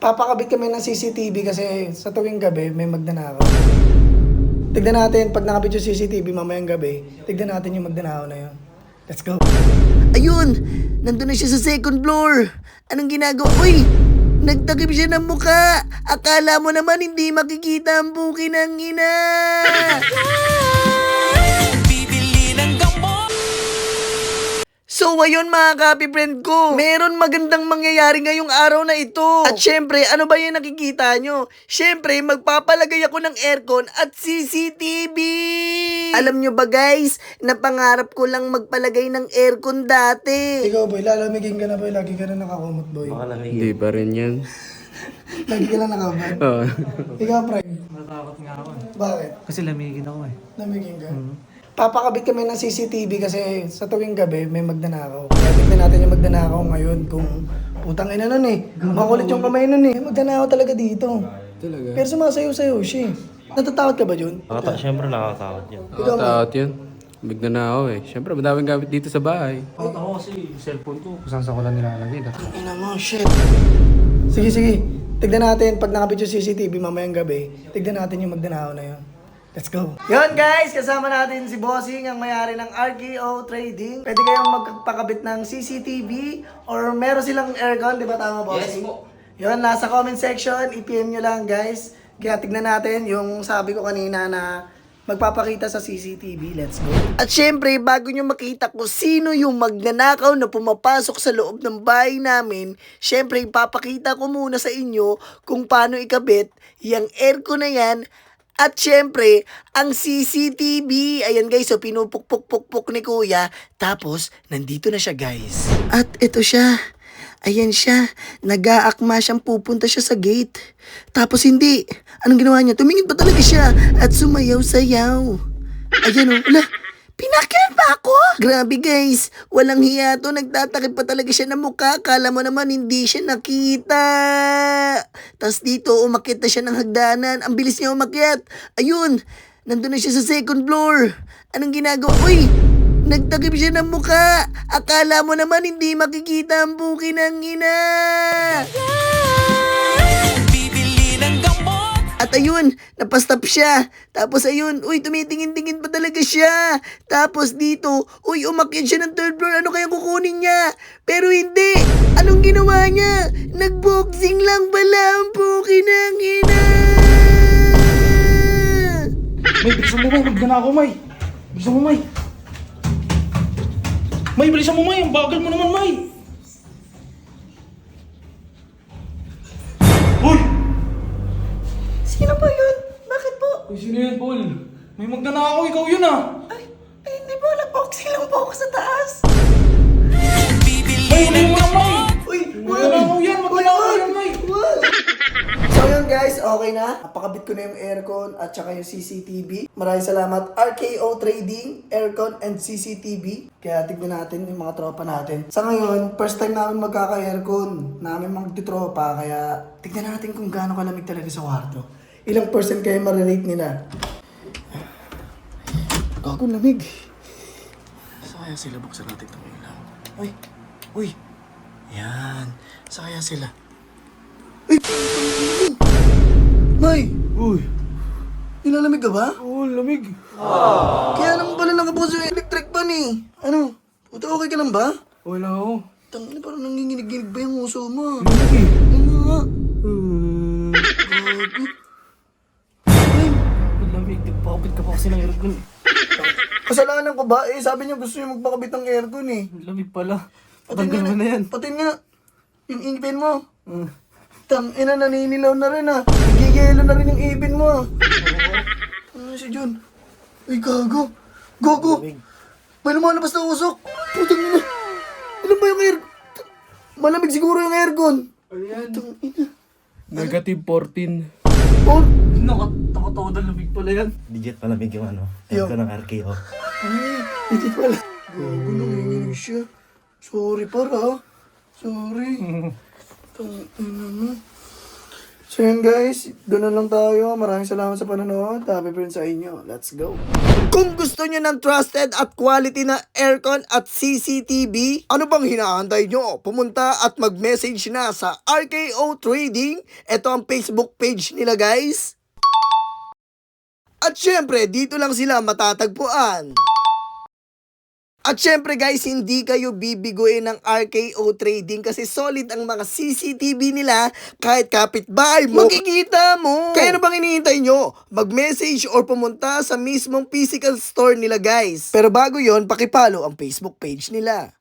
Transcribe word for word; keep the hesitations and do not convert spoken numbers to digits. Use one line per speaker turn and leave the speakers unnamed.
Papakabit kami ng C C T V kasi sa tuwing gabi may magnanakaw. Tignan natin, pag nakabit yung C C T V mamayang gabi, tignan natin yung magnanakaw na yun. Let's go.
Ayun! Nandun na siya sa second floor. Anong ginagawa? Uy! Nagtakip siya ng muka. Akala mo naman hindi makikita ang buki ng ina.
Bibili ng gamot.
So ayun mga kapi friend ko, meron magandang mangyayari ngayong araw na ito. At syempre, ano ba yung nakikita nyo? Syempre, magpapalagay ako ng aircon at C C T V. Alam nyo ba guys, napangarap ko lang magpalagay ng aircon dati.
Ikaw boy, lalamigin ka na boy, lagi ka na nakakumot boy.
Hindi pa rin yan.
Lagi ka na nakabad.
Oo.
Ikaw pre,
Natakot nga ako eh.
bakit?
Kasi lamigin ako eh.
Lamigin ka? Papakabit kami ng C C T V kasi sa tuwing gabi may magnanakaw. Kaya tignan natin yung magnanakaw ngayon kung putang ina nun eh. Makulit yung kamay nun eh. Magnanakaw talaga dito.
Talaga?
Pero sumasayaw-sayaw siya eh. Natatakot ka ba Jun?
Nakata Siyempre nakakatakot yun.
Ikaw ba?
Taot yun. Bigna na ako eh. Siyempre, madaming gamit dito sa bahay.
Takot ako kasi yung cellphone ko, kung saan sa ko lang nilalagay.
Ina mo, shit. Sige, sige. Tignan natin, pag nakabit yung C C T V mamayang gabi, tignan natin yung magnanakaw na yun. Let's go. Yun guys, kasama natin si Bossing, ang may-ari ng R K O Trading. Pwede kayong magpakabit ng C C T V or meron silang aircon, di ba tama Bossing? Yes po. Yun, nasa comment section, i-P M nyo lang guys. Kaya tignan natin yung sabi ko kanina na magpapakita sa C C T V. Let's go.
At syempre, bago nyo makita kung sino yung magnanakaw na pumapasok sa loob ng bahay namin, syempre, ipapakita ko muna sa inyo kung paano ikabit yung aircon na yan. At syempre, ang C C T V, ayan guys, so pinupukpuk-pukpuk ni kuya. Tapos, nandito na siya guys. At ito siya. Ayan siya. Nag-aakma siyang pupunta siya sa gate. Tapos hindi. Anong ginawa niya? Tumingin pa talaga siya. At sumayaw-sayaw. Ayan o. Wala. Pinakyan pa ako? Grabe guys. Walang hiya to. Nagtatakip pa talaga siya ng mukha. Kala mo naman hindi siya nakita. Tapos dito, umakyat na siya ng hagdanan. Ang bilis niya umakyat. Ayun. Nandun na siya sa second floor. Anong ginagawa? Uy! Nagtakip siya ng mukha. Akala mo naman hindi makikita ang buki ng ina.
Bibili ng gamot.
At ayun, napastop siya. Tapos ayun, uy, tumitingin-tingin pa talaga siya. Tapos dito, uy, umakyat siya ng third floor. Ano kaya kukunin niya? Pero hindi. Anong ginawa niya? Nagboxing lang pala ang buki ng ina.
May, bilisan mo May, magdana ako May. Bilisan mo May. May, bilisan mo May, ang bagal mo naman May. Uy!
Sino ba yun? Bakit po?
Uy, sino yan Paul? May magdana ako, ikaw yun ah.
Ay, ay hindi po. Nag-boxing lang po ako sa taas.
Bibili
May, may
ng
mga May.
gamot.
Uy,
Magdana ako yan, magdana ako yan May.
So yun guys, okay na. Napakabit ko na yung aircon at saka yung C C T V. Maraming salamat R K O Trading, Aircon and C C T V. Kaya tignan natin yung mga tropa natin. Sa ngayon, first time namin magkaka-aircon. Namin magtitropa. Kaya tignan natin kung gaano kalamig talaga sa kwarto. Ilang percent kaya marirate nila. Gago lamig. Sa kaya sila buksan natin itong ilaw. Uy, uy. Yan. Sa kaya sila. Ay! May!
Uy,
Nilalamig ka ba?
oh, lamig.
Kaya naman pala nakabukas yung electric fan eh. Ano? Puta, okay ka lang ba?
Wala ako.
Tangina, parang nanginginig-ginig ba yung uso mo?
Lamig eh.
Ano nga?
Uh,
Gago. Ay,
lamig, nagpakapit ka pa kasi ng aircon eh.
kasalanan ko ba? Eh, sabi niya gusto niya magpakabit ng aircon eh.
Lamig pala.
Patin
Patanggal mo na yan.
Patin nga. Yung ipin mo.
Uh,
Tang ina, naninilaw na rin ah. Nagigilo na rin yung ipin mo ah. Ano si John? Ay, gago. Gago. May lumalabas na usok. Putang ina. Ano ba yung air... Malamig siguro yung aircon.
Ayan.
Putang ina.
Negative fourteen.
Oh,
Naka, nakatawa na lamig pala yan.
Legit malamig yung ano.
Yo.
Aircon ng R K O.
ay, hindi pala. Gago, nanginginig siya. Sorry para. Sorry. Tang ina mo. So yun guys, doon na lang tayo. Maraming salamat sa panonood. Happy friends sa inyo. Let's go.
Kung gusto nyo ng trusted at quality na aircon at C C T V, ano bang hinahantay nyo? Pumunta at mag-message na sa R K O Trading. Ito ang Facebook page nila guys. At syempre, dito lang sila matatagpuan. At syempre guys, hindi kayo bibiguin ng R K O Trading kasi solid ang mga C C T V nila kahit kapitbahay mo. Makikita mo! Kaya ano bang hinihintay nyo? Mag-message or pumunta sa mismong physical store nila guys. Pero bago yon, pakipollow ang Facebook page nila.